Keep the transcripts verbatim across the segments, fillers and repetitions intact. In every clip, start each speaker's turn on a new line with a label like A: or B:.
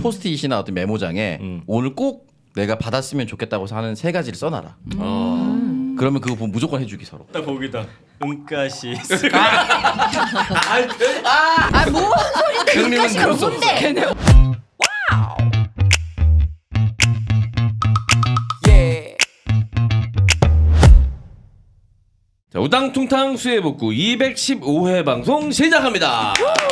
A: 포스트잇이나 어떤 메모장에
B: 음.
A: 오늘 꼭 내가 받았으면 좋겠다고 하는 세 가지를 써놔라.
C: 음.
A: 어. 그러면 그거 보면 무조건 해주기 서로.
B: 딱 거기다 은가시.
C: 아뭔 소리인데
A: 형님은
C: 여기까지
A: 그럴 수
C: 뭔데?
D: 자, 우당퉁탕 수해복구 이백십오 회 방송 시작합니다.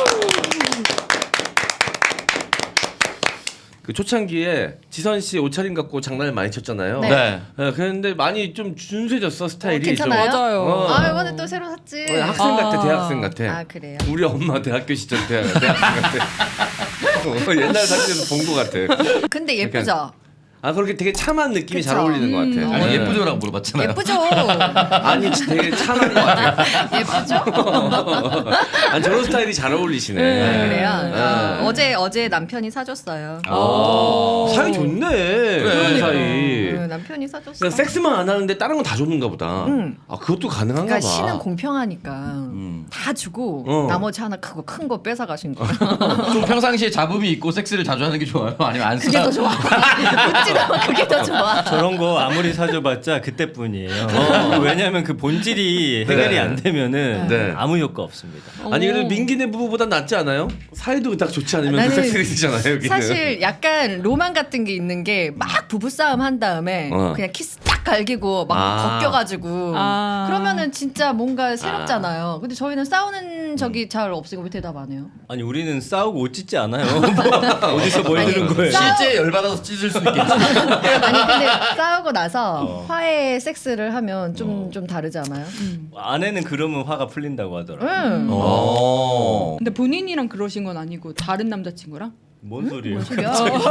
D: 그 초창기에 지선 씨 옷차림 갖고 장난을 많이 쳤잖아요.
C: 네.
A: 네.
D: 네, 그런데 많이 좀 준수해졌어 스타일이.
C: 어, 괜찮아요?
D: 좀.
E: 맞아요.
D: 어.
C: 아 이번에 또 새로 샀지.
D: 어, 학생 같아,
E: 아.
D: 대학생 같아.
C: 아 그래요?
D: 우리 엄마 대학교 시절 대학, 대학생 같아. 어, 옛날 사진에서 본 것 같아.
C: 근데 예쁘죠?
D: 아 그렇게 되게 참한 느낌이
C: 그쵸?
D: 잘 어울리는 것 같아.
C: 음.
A: 아니
D: 네.
A: 예쁘죠라고 물어봤잖아요.
C: 예쁘죠?
D: 아니 되게 참한 것 같아.
C: 예쁘죠?
D: 아니 저런 스타일이 잘 어울리시네.
C: 아, 그래요?
D: 네.
C: 어, 어제 어제 남편이 사줬어요.
D: 아, 사이 좋네. 그런 사이.
C: 음, 남편이 사줬어.
D: 그러니까 섹스만 안 하는데 다른 건 다 줬는가 보다.
C: 응.
D: 아 그것도 가능한가
C: 그러니까
D: 봐.
C: 신은 공평하니까
A: 음.
C: 다 주고
D: 어.
C: 나머지 하나 크고 큰 거 뺏어 가신 거야.
A: 좀 평상시에 잡음이 있고 섹스를 자주 하는 게 좋아요? 아니면 안
C: 그게 더 좋아. 웃지도 그게 더 좋아.
B: 저런 거 아무리 사줘봤자 그때뿐이에요. 왜냐하면 그 본질이 해결이
D: 네.
B: 안 되면은
D: 네.
B: 아무 효과 없습니다.
D: 아니 그래도 민기네 부부보단 낫지 않아요? 사이도 딱 좋지 않으면 그
C: 나는
D: 섹스가 되잖아요 여기는.
C: 사실 약간 로망 같은 게 있는 게 막 부부싸움 한 다음에
D: 어.
C: 그냥 키스 딱 갈기고 막
D: 아.
C: 벗겨가지고
E: 아.
C: 그러면은 진짜 뭔가 새롭잖아요. 근데 저희는 싸우는 적이 잘 없으니까 왜 대답 안 해요?
B: 아니 우리는 싸우고 옷 찢지 않아요. 뭐 어디서 뭘
C: 아니,
B: 들은 거예요?
C: 싸-
A: 실제 열받아서 찢을 수 있겠지.
C: 아니 근데 싸우고 나서
B: 어.
C: 화해 섹스를 하면 좀 좀
B: 어.
C: 다르지 않아요?
B: 아내는 그러면 화가 풀린다고 하더라고.
C: 응.
A: 어.
E: 근데 본인이랑 그러신 건 아니고 다른 남자친구랑?
B: 뭔 소리예요?
C: 소리야?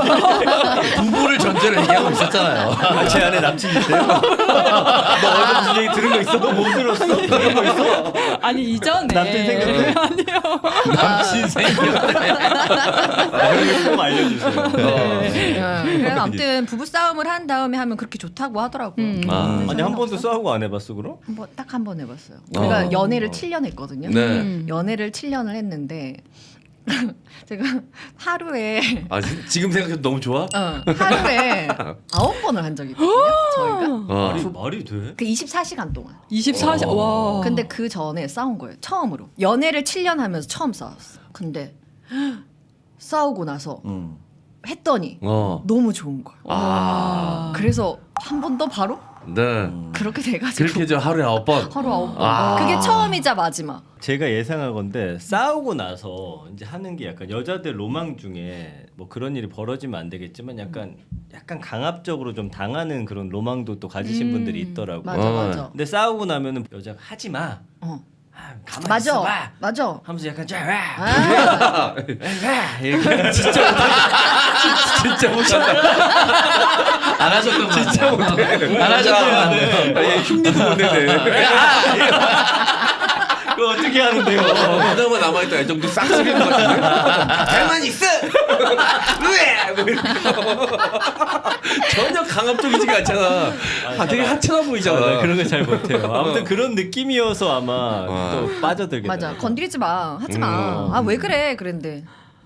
A: 부부를 전제로 얘기하고 있었잖아요.
B: 아, 제 안에 남친 있대요? 너 어제 무슨 얘기 들은 거 있어? 너 못 들었어? 들은 거 있어?
E: 아니 이전에
B: 남편 생각해.
E: 아니요.
A: 남친 생겼네.
B: 아, 그런 거꼭 알려주세요.
C: 응. 그래서 아무튼 부부 싸움을 한 다음에 하면 그렇게 좋다고 하더라고요.
E: 음.
D: 아.
B: 아니 한 번도 싸우고 안 해봤어 그럼?
C: 한번 딱 한 번 해봤어요. 우리가
D: 어.
C: 연애를 칠 년 했거든요.
D: 네.
E: 음.
C: 연애를 칠 년을 했는데 제가 하루에
D: 아 지- 지금 생각해도 너무 좋아?
C: 어, 하루에 아홉 번을 한 적이 있거든요. 저희가
D: 어.
B: 말이 말이 돼?
C: 그 이십사 시간 동안.
E: 이십사 시 와.
C: 근데 그 전에 싸운 거예요. 처음으로. 연애를 칠 년 하면서 처음 싸웠어. 근데 싸우고 나서
A: 음.
C: 했더니
D: 어.
C: 너무 좋은 거예요.
D: 아.
C: 그래서 한 번 더 바로
D: 네.
C: 그렇게 돼가지고
D: 그렇게 저 하루에 아홉 번.
C: 하루 아홉 번.
D: 아.
C: 그게 처음이자 마지막.
B: 제가 예상하건데 싸우고 나서 이제 하는 게 약간 여자들 로망 중에 뭐 그런 일이 벌어지면 안 되겠지만 약간 약간 강압적으로 좀 당하는 그런 로망도 또 가지신
E: 음.
B: 분들이 있더라고.
C: 맞아
D: 어.
C: 맞아.
B: 근데 싸우고 나면은 여자가 하지 마.
C: 어.
B: 아, 가만히
C: 맞아
B: 있어봐.
C: 맞아.
B: 하면서 약간 자 와.
C: 아,
B: 와. 이렇게 진짜 못한다. 진짜 못한다.
A: 안 하셨던 거 진짜 못해. 안 하셨던 거 같네요.
D: 아, 얘 흉내도 못 내네.
B: 그거 어떻게 하는데요?
D: 그나마 남아있던 애정도 싹 쓰리는 것 같은데. 가만히 있어. 왜? 뭐 이러고. 전혀 강압적이지가 않잖아. 아, 되게 하찮아 보이잖아.
B: 아, 나 그런 거 잘 못해요. 아무튼 그런 느낌이어서 아마
D: 와.
B: 또 빠져들게
C: 맞아.
B: 돼요.
C: 건드리지 마. 하지 마.
D: 음.
C: 아 왜 그래? 그랬는데.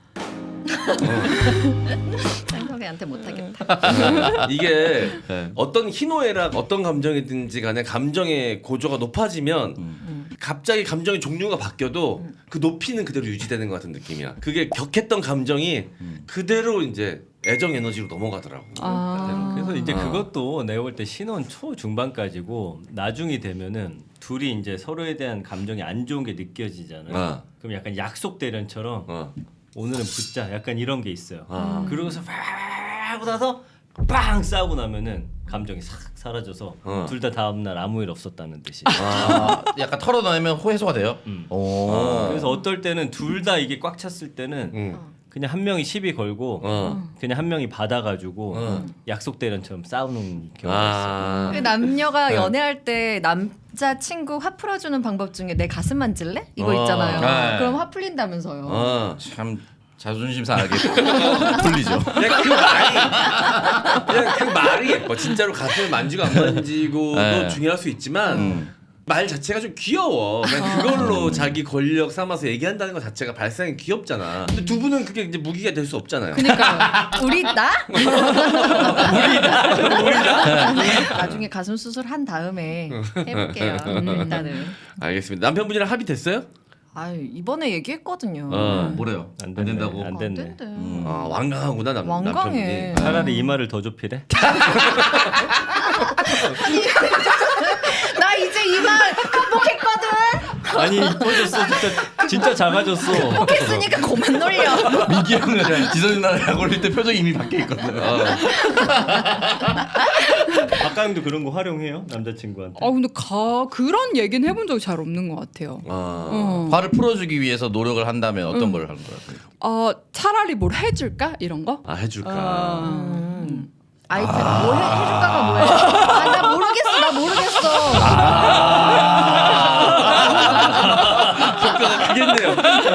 C: 쌍석이한테 못하겠다.
D: 이게
A: 네.
D: 어떤 희노애락 어떤 감정이든지 간에 감정의 고조가 높아지면 갑자기 감정의 종류가 바뀌어도 그 높이는 그대로 유지되는 것 같은 느낌이야. 그게 격했던 감정이 그대로 이제 애정 에너지로 넘어가더라고.
E: 아.
B: 그래서 이제
D: 어.
B: 그것도 내가 볼 때 신혼 초 중반까지고 나중이 되면은 둘이 이제 서로에 대한 감정이 안 좋은 게 느껴지잖아요.
D: 어.
B: 그럼 약간 약속 대련처럼
D: 어.
B: 오늘은 붙자 약간 이런 게 있어요.
D: 아.
B: 그러고서 팍 하고 나서 빵 싸우고 나면은 감정이 싹 사라져서
D: 어.
B: 둘 다 다음 날 아무 일 없었다는 듯이.
A: 아, 약간 털어내면 호해소가 돼요.
B: 음.
A: 오.
D: 아.
B: 그래서 어떨 때는 둘 다 이게 꽉 찼을 때는
D: 응.
B: 그냥 한 명이 시비 걸고
D: 어.
B: 그냥 한 명이 받아가지고
D: 어.
B: 약속 대련처럼 싸우는 경우가 있어요.
D: 아.
C: 그 남녀가
D: 네.
C: 연애할 때 남자 친구 화 풀어주는 방법 중에 내 가슴 만질래? 이거
D: 어.
C: 있잖아요.
A: 네.
C: 그럼 화 풀린다면서요.
D: 어.
A: 참 자존심 상하게 풀리죠.
D: 그냥 그 말이 그냥 그 말이 예뻐. 진짜로 가슴을 만지고 안 만지고도
A: 네.
D: 중요할 수 있지만
A: 음.
D: 말 자체가 좀 귀여워. 그냥 그걸로 자기 권력 삼아서 얘기한다는 것 자체가 발상이 귀엽잖아. 근데 두 분은 그게 이제 무기가 될 수 없잖아요.
E: 그러니까
C: 우리 나? 나중에 가슴 수술 한 다음에 해볼게요. 일단은.
D: 알겠습니다. 남편분이랑 합의 됐어요?
C: 아 이번에 얘기했거든요.
D: 어.
A: 뭐래요?
B: 안,
A: 안
B: 됐네,
A: 된다고.
B: 안
C: 안
B: 됐네.
C: 된대.
D: 아 완강하구나 남,
C: 완강해.
D: 남편분이.
B: 차라리 이마를 더 좁히래.
C: 나 이제 이말 극복했거든.
B: 아니 이뻐졌어 진짜 진짜 작아졌어.
C: 극복했으니까 그만 놀려.
A: 민기 형은 지선 누나랑 약 올릴 때 표정이 이미 바뀌어 있거든.
D: 어.
B: 박가영도 그런 거 활용해요 남자친구한테.
E: 아 근데 가 그런 얘기는 해본 적이 잘 없는 것 같아요.
D: 아.
E: 어.
A: 화를 풀어주기 위해서 노력을 한다면 어떤 걸 하는 거야?
E: 어 차라리 뭘 해줄까 이런 거?
D: 아 해줄까.
E: 어.
C: 음. 아이템 뭐 해, 해줄까가 뭐야? 아, 나 모르겠어. 나 모르겠어.
D: 효과가 크겠네요.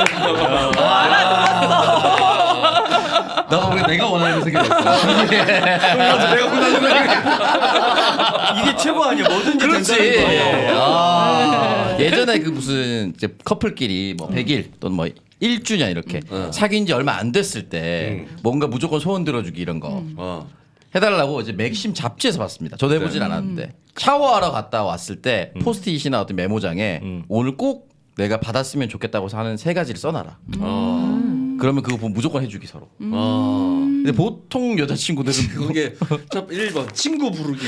A: 나도 모르게 내가 원하는 생각이었어.
D: 내가 원하는
B: 이게 최고 아니야 뭐든지
A: 그렇지.
B: 된다는 거예요.
A: 아, 예전에 그 무슨 이제 커플끼리 뭐 백 일 또는 뭐 일 주년 이렇게
D: 음.
A: 사귄 지 얼마 안 됐을 때
D: 음.
A: 뭔가 무조건 소원 들어주기 이런 거
D: 어.
A: 해달라고 이제 맥심 잡지에서 봤습니다. 저도 해보진
D: 네.
A: 않았는데 샤워하러 갔다 왔을 때 포스트잇이나 어떤 메모장에
B: 음.
A: 오늘 꼭 내가 받았으면 좋겠다고 하는 세 가지를 써놔라.
D: 어.
A: 그러면 그거 보면 무조건 해주기 서로.
D: 어.
A: 근데 보통 여자친구들은
D: 거기에 첫 일 번 친구 부르기.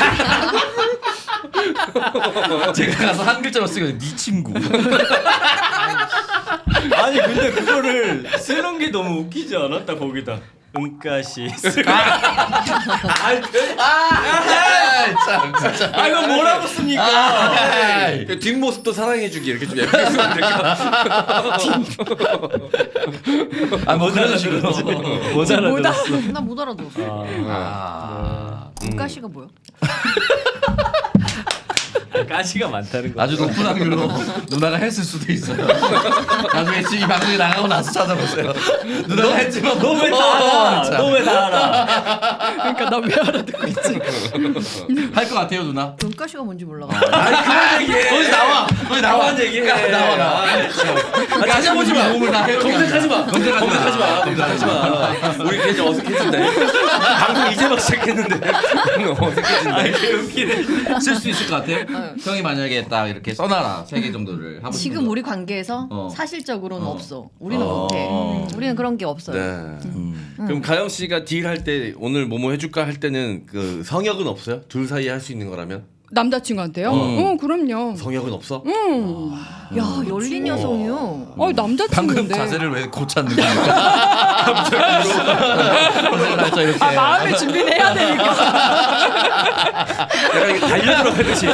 A: 제가 가서 한 글자로 쓰거든요. 네 친구.
B: 아니 근데 그거를 쓰는 게 너무 웃기지 않았다 거기다. 은가시.
A: 참 진짜.
B: 아 이거 뭐라고 씁니까?
A: 아,
D: 그 뒷모습도 사랑해주기 이렇게 좀 예쁘게 쓰면 될까?
A: 아, 뭐 그런 식으로.
B: 못 알아들었어.
C: 나 못 알아들었어.
A: 아,
C: 문가시가 뭐야?
B: 가시가 많다는 거.
A: 아주 높은 확률로 누나가 했을 수도 있어요. 나중에 지금 이 방송이 나가고 나서 찾아보세요. 누나가 했지만
B: 너 왜 다 알아? 너 왜 다 알아?
E: 그러니까 나 왜 알아듣고 있지?
A: 할것 같아요, 누나.
C: 문가시가 뭔지 몰라.
D: 아니 그런 얘기해.
A: 거기 나와. 거기 나와.
D: 그런 얘기해.
A: 나와 나와.
D: 아, 찾아보지 마.
A: 몸을 다 해.
D: 검색하지 마.
A: 검색하지 마.
D: 검색하지 마. 검색하지 마. 우리 괜히 어색해진다. 방송 이제 막 시작했는데 어색해진다.
B: 이게 웃기네.
A: 쓸 수 있을 것 같아요. 형이 만약에 딱 이렇게 써놔라 세 개 정도를 하고 싶은
C: 지금
A: 거.
C: 우리 관계에서
A: 어.
C: 사실적으로는
A: 어.
C: 없어. 우리는
A: 어.
C: 못해. 우리는 그런 게 없어요.
D: 네. 그럼 가영 씨가 딜할 때 오늘 뭐뭐 해줄까 할 때는 그 성역은 없어요? 둘 사이에 할 수 있는 거라면
E: 남자친구한테요?
A: 음.
E: 어 그럼요.
D: 성역은 없어?
E: 음.
C: 야 열린 여성이요.
E: 어
A: 방금
E: 남자친구인데.
A: 자세를 왜 고쳤는 겁니까? 갑자기 이렇게.
E: 아 마음의 준비를 해야 되니까.
D: 약간 이게 달려 들어가듯이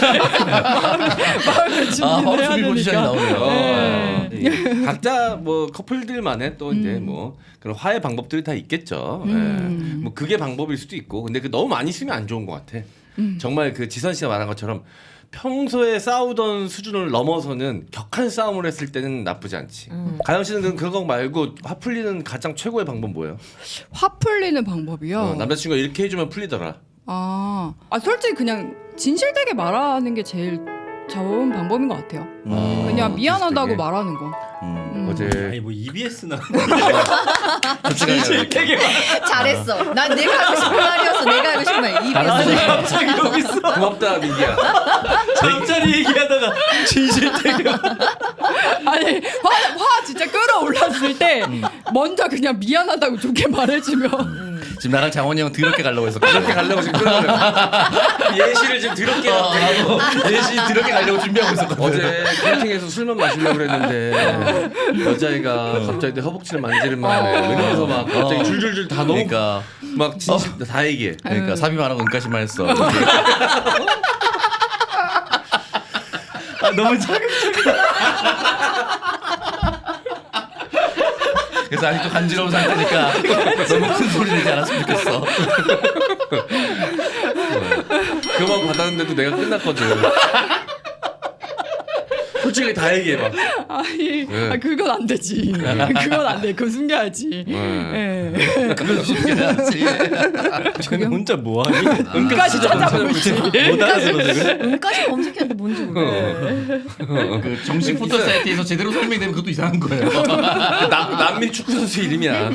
E: 마음의
A: 아,
E: 준비를
A: 바로
E: 해야
A: 준비 포지션이
E: 되니까.
A: 나오네요.
E: 네.
D: 예. 각자 뭐 커플들만의 또 이제 뭐 그런 화해 방법들이 다 있겠죠.
E: 음.
D: 예. 뭐 그게 방법일 수도 있고, 근데 그 너무 많이 쓰면 안 좋은 것 같아. 정말 그 지선 씨가 말한 것처럼 평소에 싸우던 수준을 넘어서는 격한 싸움을 했을 때는 나쁘지 않지. 가영 씨는 그럼 그거 말고 화 풀리는 가장 최고의 방법 뭐예요?
E: 화 풀리는 방법이요.
D: 어, 남자친구가 이렇게 해주면 풀리더라.
E: 아, 아 솔직히 그냥 진실되게 말하는 게 제일 좋은 방법인 것 같아요.
A: 음.
E: 그냥 미안하다고
D: 진실되게?
E: 말하는 거.
A: 음.
E: 음.
D: 어제
B: 아니 뭐 이비에스나.
A: 솔직하게
B: 되게
C: 잘했어. 난 내가 하고 싶은 말이었어. 내가 하고 싶은 말.
B: 아니
C: 이비에스.
B: 갑자기 여기 있어.
D: 고맙다 민기야.
B: 잠자리 얘기하다가 진실 되게.
E: 아니 화, 화 진짜 끌어올랐을 때 먼저 그냥 미안하다고 좋게 말해주면
A: 지금 나랑 장원이 형 더럽게 가려고 해서
D: 그렇게 가려고 지금 끌어내려. 예시를 지금 더럽게
A: 어,
D: 하고.
A: 나도 예시 더럽게 가려고 준비하고 있었거든.
D: 어제 캠핑에서 술만 마시려고 그랬는데 여자애가 갑자기 내 허벅지를 만지는 바람에 은에서 막 갑자기
A: 어.
D: 줄줄줄 다 너무
A: 그러니까
D: 막 진심 다 얘기해.
A: 그러니까 삽입만 하고 은까지만 했어.
B: 아 너무 작은.
A: 그래서 아직도 간지러운 상태니까 너무 큰 소리 내지 않았으면 좋겠어.
D: 그만 받았는데도 내가 끝났거든. 솔직히 다 얘기해 봐.
E: 아, 예. 되지.
D: 네.
E: 아, 그건 안 되지. 그건 안 돼. 그건 숨겨야지.
D: 네.
E: 예.
A: 그건 숨겨야지.
B: 근데 혼자 뭐하니?
E: 은까지 찾아보고 있지.
B: 못 알아들어서 그래?
C: 은까지 검색했는데 뭔지 모르겠어.
A: 그 정식 포털 사이트에서 제대로 설명되면 그것도 이상한 거예요.
D: 남, 남미 축구 선수 이름이야.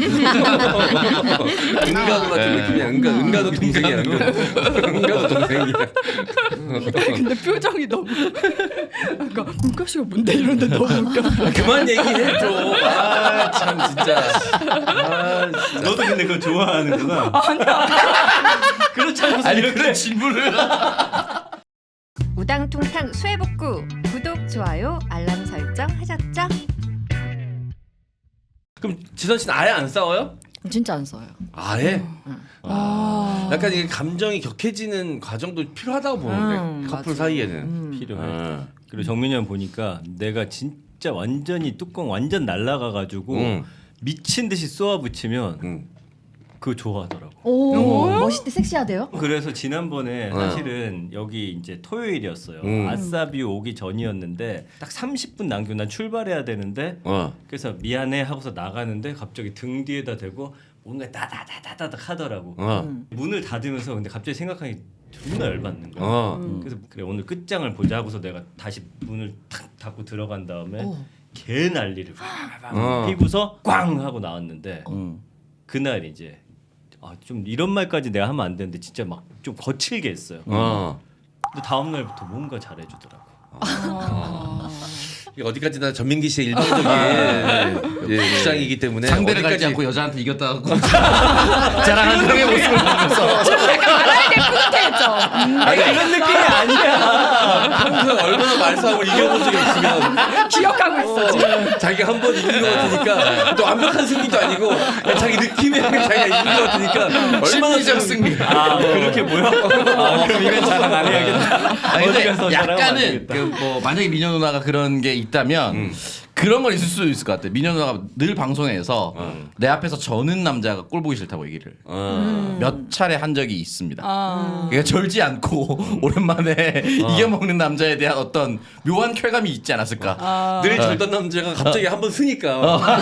D: 은가도 같은 느낌이야. 은가, 은가도 동생이야. 은가도, 은가도 동생이야.
E: 근데 표정이 너무 아까 은까지가 뭔데 이런데 너무 웃겨.
D: 그만 얘기해 줘. 아, 참 진짜. 아, 진짜.
B: 너도 근데 그거 좋아하는구나. 아니야. 그렇지 않고서
A: 아니
B: 이렇게
A: 그런 질문을.
C: 우당퉁탕 수해복구 구독 좋아요 알람 설정 하셨죠?
D: 그럼 지선 씨는 아예 안 싸워요?
C: 진짜 안 써요.
D: 아예?
E: 아.
D: 약간 이게 감정이 격해지는 과정도 필요하다고 보는데
C: 음,
D: 커플
C: 맞아.
D: 사이에는.
C: 음.
B: 필요해.
D: 아.
B: 그리고 정민이 형 보니까 내가 진짜 완전히 뚜껑 완전 날라가가지고
D: 응.
B: 미친 듯이 쏘아 붙이면
D: 응.
B: 그거 좋아하더라고.
C: 오, 멋있대 섹시하대요?
B: 그래서 지난번에
D: 어.
B: 사실은 여기 이제 토요일이었어요.
D: 음.
B: 아싸비 오기 전이었는데 딱 삼십 분 남겨 난 출발해야 되는데
D: 어.
B: 그래서 미안해 하고서 나가는데 갑자기 등 뒤에다 대고 뭔가 따다다다다닥 하더라고.
D: 어.
C: 음.
B: 문을 닫으면서 근데 갑자기 생각하니 존나 열받는 거야.
D: 어.
B: 그래서 그래 오늘 끝장을 보자 하고서 내가 다시 문을 탁 닫고 들어간 다음에
C: 오.
B: 개 난리를 팍팍
D: 어.
B: 피고서 꽝 하고 나왔는데
A: 음.
B: 그날 이제 아, 좀 이런 말까지 내가 하면 안 되는데 진짜 막 좀 거칠게 했어요.
D: 어.
B: 근데 다음 날부터 뭔가 잘해주더라고.
E: 아.
D: 이게 어디까지나 전민기 씨의 일방적인 예, 주장이기 때문에
A: 상대를
D: 어디까지
A: 갈지 않고 여자한테 이겼다고 자랑하는 형의 모습을 보면서
E: 말아야 될 푸릇해했죠.
B: 아니 그런 느낌이 아니야.
D: 평소에 얼마나 말싸움을 이겨본 적이 있으면
E: 기억하고 있어 지금.
D: 자기가 한 번 이긴 것 같으니까 또 완벽한 승리도 아니고 그냥 자기 느낌에 자기가 이긴 것 같으니까 얼마나
A: 심리적 승리.
B: 아 그렇게 보여? 아, 그럼 이건 자랑 안 해야겠다.
A: 아니
B: 어디
A: 근데
B: 가서 자랑하면 안
A: 약간은
B: 되겠다.
A: 그 뭐 만약에 미녀 누나가 그런 게 있다면
D: 음.
A: 그런 건 있을 수도 있을 것 같아. 미녀 누나가 늘 방송에서
D: 음.
A: 내 앞에서 저는 남자가 꼴 보기 싫다고 얘기를
D: 어.
A: 몇 차례 한 적이 있습니다.
E: 아.
A: 그러니까 절지 않고 오랜만에 이겨먹는 남자에 대한 어떤 묘한 쾌감이 있지 않았을까.
E: 아.
D: 늘 절던 남자가 갑자기 한 번 쓰니까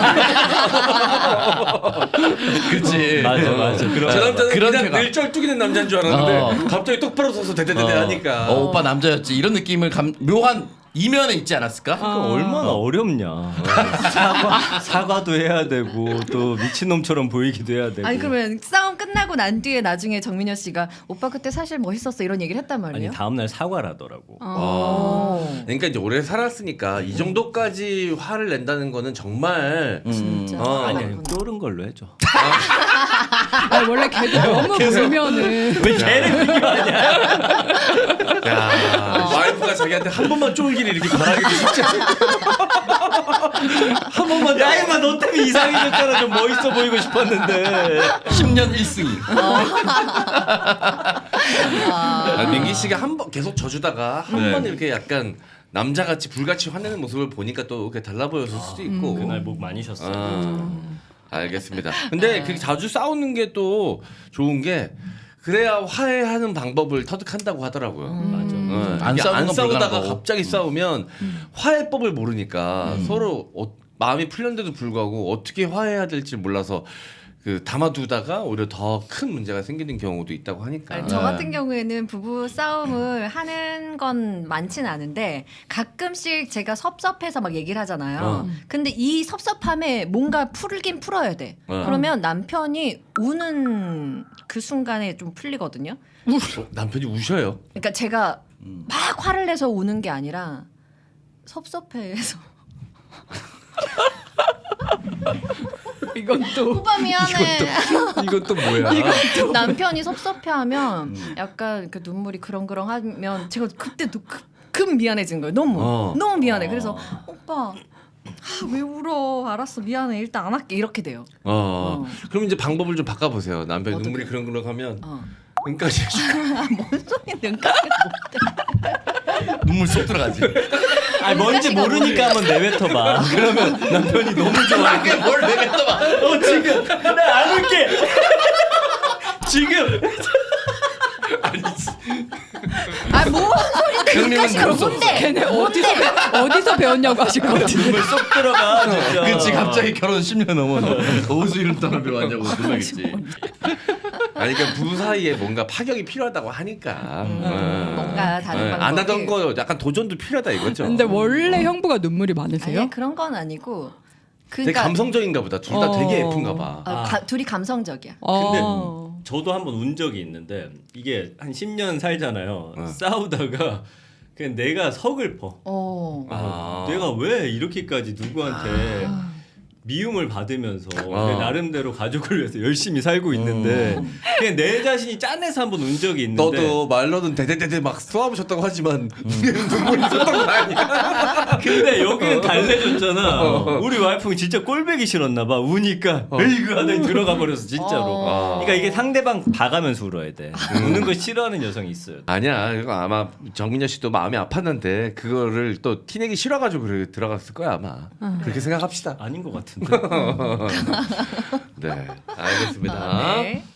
A: 그렇지.
B: 맞아 맞아. 그런
D: 저 남자는
A: 그런
D: 그냥
A: 쾌감.
D: 늘 쩔뚝이는 남자인 줄 알았는데
A: 어.
D: 갑자기 똑바로 서서 대대대대 하니까
A: 어, 오빠 남자였지 이런 느낌을 감, 묘한 이면에 있지 않았을까?
B: 그 얼마나 어렵냐. 사과 사과도 해야 되고 또 미친 놈처럼 보이기도 해야 되고.
C: 아니 그러면 싸움 끝나고 난 뒤에 나중에 정민여 씨가 오빠 그때 사실 멋있었어 이런 얘기를 했단
B: 아니
C: 말이에요?
B: 다음 날 사과를 하더라고.
C: 어.
D: 그러니까 이제 오래 살았으니까 이 정도까지 화를 낸다는 거는 정말
C: 진짜.
D: 어.
B: 아니 아니 쫄은 걸로 해줘.
E: 아니 원래 걔도 너무 보면은
B: 왜 걔를 비교하냐?
D: 야 와이프가 자기한테 한 번만 쫄기를 이렇게 바라기도 쉽지 않아.
B: 한 번만 야 임마 너 때문에 이상해졌잖아. 좀 멋있어 보이고 싶었는데.
A: 십 년 일 승이.
D: 아, 민기 씨가 한 번 계속 져주다가 한
A: 네.
D: 번 이렇게 약간 남자같이 불같이 화내는 모습을 보니까 또 이렇게 달라 보였을 수도 있고.
B: 그날 목 많이 쉬었어.
D: 아, 알겠습니다. 근데 그렇게 자주 싸우는 게 또 좋은 게 그래야 화해하는 방법을 터득한다고 하더라고요.
B: 맞아.
D: 어,
A: 안
D: 이게
A: 싸우는
D: 안
A: 건
D: 싸우다가
A: 불가능하고.
D: 갑자기 싸우면 화해법을 모르니까 서로 어, 마음이 풀렸는데도 불구하고 어떻게 화해해야 될지 몰라서 그 담아두다가 오히려 더 큰 문제가 생기는 경우도 있다고 하니까.
C: 아니, 저 같은 경우에는 부부 싸움을 하는 건 많진 않은데 가끔씩 제가 섭섭해서 막 얘기를 하잖아요.
D: 어.
C: 근데 이 섭섭함에 뭔가 풀긴 풀어야 돼.
D: 어.
C: 그러면 남편이 우는 그 순간에 좀 풀리거든요.
D: 어, 남편이 우셔요.
C: 그러니까 제가 막 화를 내서 우는 게 아니라 섭섭해해서
E: 이건 또
C: 오빠 미안해.
D: 이건 또 뭐야?
C: 남편이 섭섭해하면 약간 그 눈물이 그렁그렁하면 제가 그때 또 급, 급 미안해진 거예요. 너무
D: 어.
C: 너무 미안해. 그래서 오빠 아, 왜 울어? 알았어 미안해. 일단 안 할게 이렇게 돼요.
D: 어.
C: 어.
D: 그럼 이제 방법을 좀 바꿔보세요. 남편
C: 어떻게?
D: 눈물이 그렁그렁하면
C: 어.
D: 은까지 해주고.
C: 뭔 소리는
A: 눈물 쏙 들어가지.
B: 아니 뭔지 모르니까 한번 내뱉어봐. 그러면 남편이 너무 좋아해.
A: 뭘 내겠다 봐.
B: 어 지금 나 안 울게. 지금
C: 아뭐
A: 형님은
C: 자식아
A: 그럴 수
C: 뭔데?
E: 걔네 어디서 배- 어디서 배웠냐고 하실 것 같은데.
B: 눈물 쏙 들어가 진짜.
A: 그치 갑자기 결혼 십 년 넘었는데 어디서 이런 단어 배웠냐고 놀라겠지.
D: 아니 그러니까 부부 사이에 뭔가 파격이 필요하다고 하니까
C: 음,
D: 음.
C: 뭔가 다른
D: 음,
C: 방법이.
D: 안 하던 거 약간 도전도 필요하다 이거죠.
E: 근데 원래 형부가 눈물이 많으세요?
C: 아니 그런 건 아니고.
D: 되게
C: 그러니까
D: 감성적인가 보다. 둘 다
E: 어.
D: 되게 예쁜가 봐.
C: 어, 가, 둘이 감성적이야.
E: 어.
B: 저도 한번 운 적이 있는데 이게 한 십 년 살잖아요.
D: 어.
B: 싸우다가 그냥 내가 서글퍼.
C: 어.
D: 아.
B: 내가 왜 이렇게까지 누구한테 미움을 받으면서
D: 어.
B: 내 나름대로 가족을 위해서 열심히 살고 있는데 그냥 내 자신이 짠해서 한번 운 적이 있는데
D: 너도 말로는 대대대대 막 쏘아보셨다고 하지만 눈물이 있었던 거 아니야?
B: 근데 여기는 달래줬잖아. 우리 와이프는 진짜 꼴배기 싫었나 봐. 우니까 에이그 하더니 들어가 버려서 진짜로.
C: 어.
B: 그러니까 이게 상대방 봐가면서 울어야 돼. 우는 거 싫어하는 여성이 있어요.
D: 아니야. 이거 아마 정민여 씨도 마음이 아팠는데 그거를 또 티내기 싫어가지고 그래 들어갔을 거야 아마. 그렇게 생각합시다.
B: 아닌 것 같은데.
D: 네, 알겠습니다.
C: 네.